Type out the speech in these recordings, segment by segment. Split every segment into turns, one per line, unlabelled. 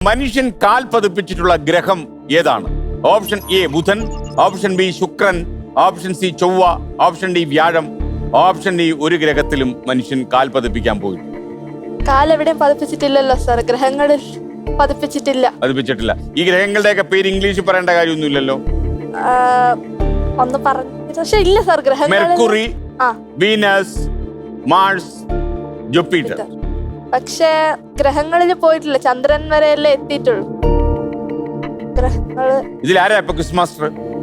മനുഷ്യൻ കാൽ പതിപ്പിച്ചിട്ടുള്ള ഗ്രഹം ഏതാണ്? ഓപ്ഷൻ എ ബുധൻ, ഓപ്ഷൻ ബി ശുക്രൻ, ഓപ്ഷൻ സി ചൊവ്വ, ഓപ്ഷൻ ഡി വ്യാഴം, ഓപ്ഷൻ ഡി ഒരു ഗ്രഹത്തിലും മനുഷ്യൻ കാൽ പതിപ്പിക്കാൻ പോയി.
കാലെവിടെയും പതിപ്പിച്ചിട്ടില്ലല്ലോ സാർ. ഗ്രഹങ്ങളിൽ പതിപ്പിച്ചിട്ടില്ല. ഈ ഗ്രഹങ്ങളുടെയൊക്കെ പേര് ഇംഗ്ലീഷിൽ പറയേണ്ട കാര്യമൊന്നുമില്ലല്ലോ. ഒന്ന് പറഞ്ഞു പക്ഷെ ഇല്ല സാർ. ഗ്രഹങ്ങൾ
മെർക്കുറി, വീനസ്, മാർസ്, ജൂപ്പിറ്റർ.
പക്ഷെ ഗ്രഹങ്ങളിൽ പോയിട്ടില്ല. ചന്ദ്രൻ വരെയല്ലേ എത്തിയിട്ടുള്ളൂ. ഗ്രഹങ്ങള്
ഇതിലാരാ ഇപ്പൊ ക്വിസ് മാസ്റ്റർ?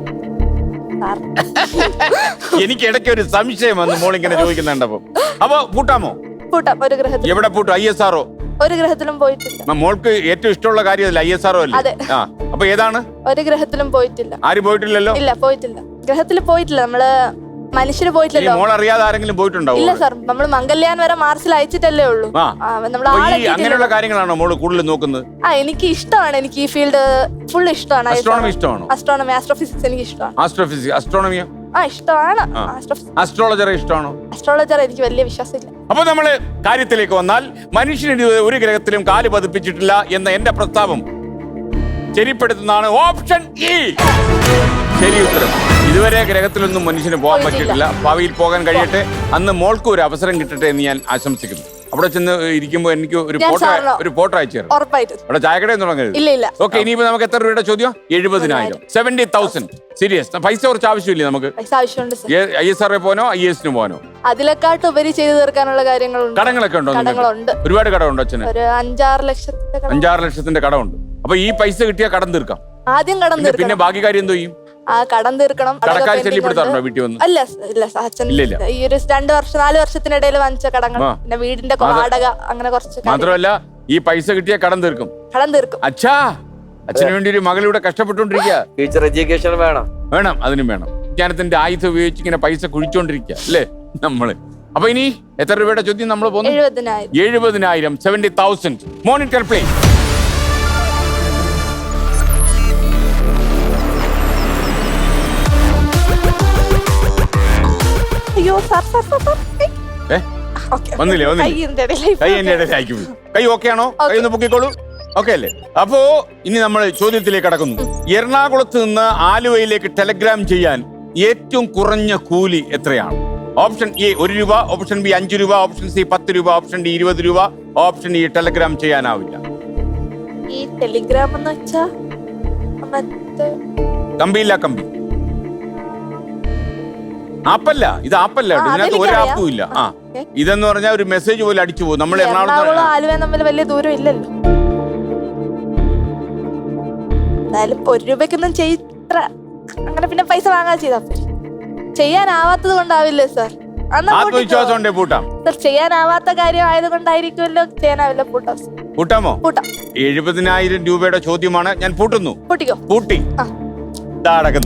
എനിക്ക് ഇടയ്ക്ക് ഒരു സംശയം വന്നു മോളിങ്ങനെ ചോദിക്കുന്നുണ്ടപ്പോ. അപ്പൊ പൂട്ടാമോ?
പൂട്ടാം. ഒരു ഗ്രഹത്തിൽ
എവിടെ പൂട്ടും? ISRO?
ഒരു ഗ്രഹത്തിലും പോയിട്ടില്ല.
മോൾക്ക് ഏറ്റവും ഇഷ്ടമുള്ള കാര്യം ISRO അല്ലേ?
അതെ.
അപ്പൊ ഏതാണ്?
ഒരു ഗ്രഹത്തിലും പോയിട്ടില്ല.
ആരും പോയിട്ടില്ലല്ലോ?
ഇല്ല, പോയിട്ടില്ല. ഗ്രഹത്തിൽ പോയിട്ടില്ല. നമ്മള് മനുഷ്യര് പോയിട്ടില്ലല്ലോ.
മോൾ അറിയാതെ ആരെങ്കിലും പോയിട്ടുണ്ടാവും?
ഇല്ല സാർ. നമ്മൾ മംഗൾയാൻ വരെ മാർസിൽ അയച്ചിട്ടല്ലേ ഉള്ളൂ.
അങ്ങനെയുള്ള കാര്യങ്ങളാണോ മോള് കൂടുതൽ നോക്കുന്നത്?
എനിക്ക് ഇഷ്ടമാണ്. എനിക്ക് ഈ ഫീൽഡ് ഫുൾ ഇഷ്ടമാണ്.
അസ്ട്രോണമി ഇഷ്ടമാണോ?
അസ്ട്രോണമി, ആസ്ട്രോഫിസിക്സ് എനിക്ക് ഇഷ്ടമാണ്.
ആസ്ട്രോഫിസിക്സ്, അസ്ട്രോണമിയോ?
ഇഷ്ടമാണ്.
അസ്ട്രോളജർ ഇഷ്ടമാണോ?
അസ്ട്രോളജർ എനിക്ക് വലിയ വിശ്വാസമില്ല.
അപ്പൊ നമ്മള് കാര്യത്തിലേക്ക് വന്നാൽ മനുഷ്യന് ഒരു ഗ്രഹത്തിലും കാല് പതിപ്പിച്ചിട്ടില്ല എന്ന എന്റെ പ്രസ്താവം ശരിപ്പെടുത്തുന്നതാണ് ഓപ്ഷൻ ഇ. ശരി ഉത്തരം. ഇതുവരെ ഗ്രഹത്തിലൊന്നും മനുഷ്യന് പോകാൻ പറ്റിയിട്ടില്ല. ഭാവിയിൽ പോകാൻ കഴിയട്ടെ. അന്ന് മോൾക്ക് ഒരു അവസരം കിട്ടട്ടെ എന്ന് ഞാൻ ആശംസിക്കുന്നു. അവിടെ ചെന്ന് ഇരിക്കുമ്പോ എനിക്ക് ഒരു ഫോട്ടോ അയച്ചു തരാം. അവിടെ ചായക്കടയിൽ തുടങ്ങരുത്. ഓക്കെ. ഇനിയിപ്പോ നമുക്ക് എത്ര രൂപയുടെ ചോദ്യം? 70,000. 70,000. സീരിയസ്. പൈസ കുറച്ച് ആവശ്യമില്ലേ നമുക്ക്? ISRO പോകാനോ IAS പോകാനോ?
അതിലെക്കാട്ട് ഉപരി ചെയ്തു തീർക്കാനുള്ള കാര്യങ്ങളുണ്ട്.
കടങ്ങളൊക്കെ ഉണ്ടോ? ഒരുപാട് കടമുണ്ടോ അച്ഛന്?
ഒരു 5-6
ലക്ഷത്തിന്റെ കടമുണ്ട്. അപ്പൊ ഈ പൈസ കിട്ടിയാൽ കടം തീർക്കാം.
ആദ്യം കടം തീർക്കാം.
പിന്നെ ബാക്കി കാര്യം എന്തോ ചെയ്യും?
കടം തീർക്കണം.
കടക്കാർ ശല്യപ്പെടുത്താറുണ്ടോ വീട്ടിൽ വന്ന്?
ഇല്ല അച്ഛൻ ഈ ഒരു 4 വർഷത്തിനിടയിൽ വാങ്ങിച്ച കടങ്ങൾ, പിന്നെ വീടിന്റെ വാടക, അങ്ങനെ കുറച്ച്.
മാത്രമല്ല ഈ പൈസ കിട്ടിയ കടം തീർക്കും. അച്ഛാ, അച്ഛന് വേണ്ടി ഒരു മകളിവിടെ കഷ്ടപ്പെട്ടുകൊണ്ടിരിക്കുക.
ടീച്ചർ എഡ്യൂക്കേഷൻ
വേണം. അതിനും വേണം. വിജ്ഞാനത്തിന്റെ ആയുധം ഉപയോഗിച്ച് ഇങ്ങനെ പൈസ കുഴിച്ചോണ്ടിരിക്കുക അല്ലേ നമ്മള്. അപ്പൊ ഇനി എത്ര രൂപയുടെ ചോദ്യം നമ്മൾ പോകുന്നു? 70,000. 70,000. Monitor play. വന്നില്ലേ? കൈ എന്റെ ഇടയിലായിരിക്കും. കൈ ഓക്കെ ആണോ? കൈ ഒന്ന് പൊക്കിക്കോളൂ. ഓക്കെ അല്ലേ? അപ്പോ ഇനി നമ്മൾ ചോദ്യത്തിലേക്ക് കടക്കുന്നു. എറണാകുളത്ത് നിന്ന് ആലുവയിലേക്ക് ടെലഗ്രാം ചെയ്യാൻ ഏറ്റവും കുറഞ്ഞ കൂലി എത്രയാണ്? ഓപ്ഷൻ എ 1 രൂപ, ഓപ്ഷൻ ബി 5 രൂപ, ഓപ്ഷൻ സി 10 രൂപ, ഓപ്ഷൻ ഡി 20 രൂപ, ഓപ്ഷൻ ഇ ടെലഗ്രാം ചെയ്യാനാവില്ല.
ഈ ടെലിഗ്രാം എന്ന് വെച്ചാ
കമ്പിയില്ല. കമ്പി ആപ്പല്ല. ഇത് ആപ്പല്ല. ഇതിനകത്ത് ഒരു ആപ്പും ഇല്ല. ഇതെന്ന് പറഞ്ഞാൽ ഒരു മെസ്സേജ് പോലെ അടിച്ചു പോകും. നമ്മൾ
എറണാകുളം ആലുവ തമ്മിൽ വലിയ ദൂരം ഇല്ലല്ലോ. എന്തായാലും 1 രൂപയ്ക്കൊന്നും അങ്ങനെ പിന്നെ പൈസ വാങ്ങാൻ ചെയ്താ ചെയ്യാനാവാത്തത് കൊണ്ടാവില്ലേ സാർ?
ആത്മവിശ്വാസം ഉണ്ടേ പൂട്ടാം.
സാർ, ചെയ്യാനാവാത്ത കാര്യം ആയതുകൊണ്ടായിരിക്കുമല്ലോ ചെയ്യാനാവില്ല.
പൂട്ടാമോ? പൂട്ടാം. 70,000 രൂപയുടെ ചോദ്യമാണ്. ഞാൻ പൂട്ടുന്നു.
പൂട്ടിക്കോ.
പൂട്ടി.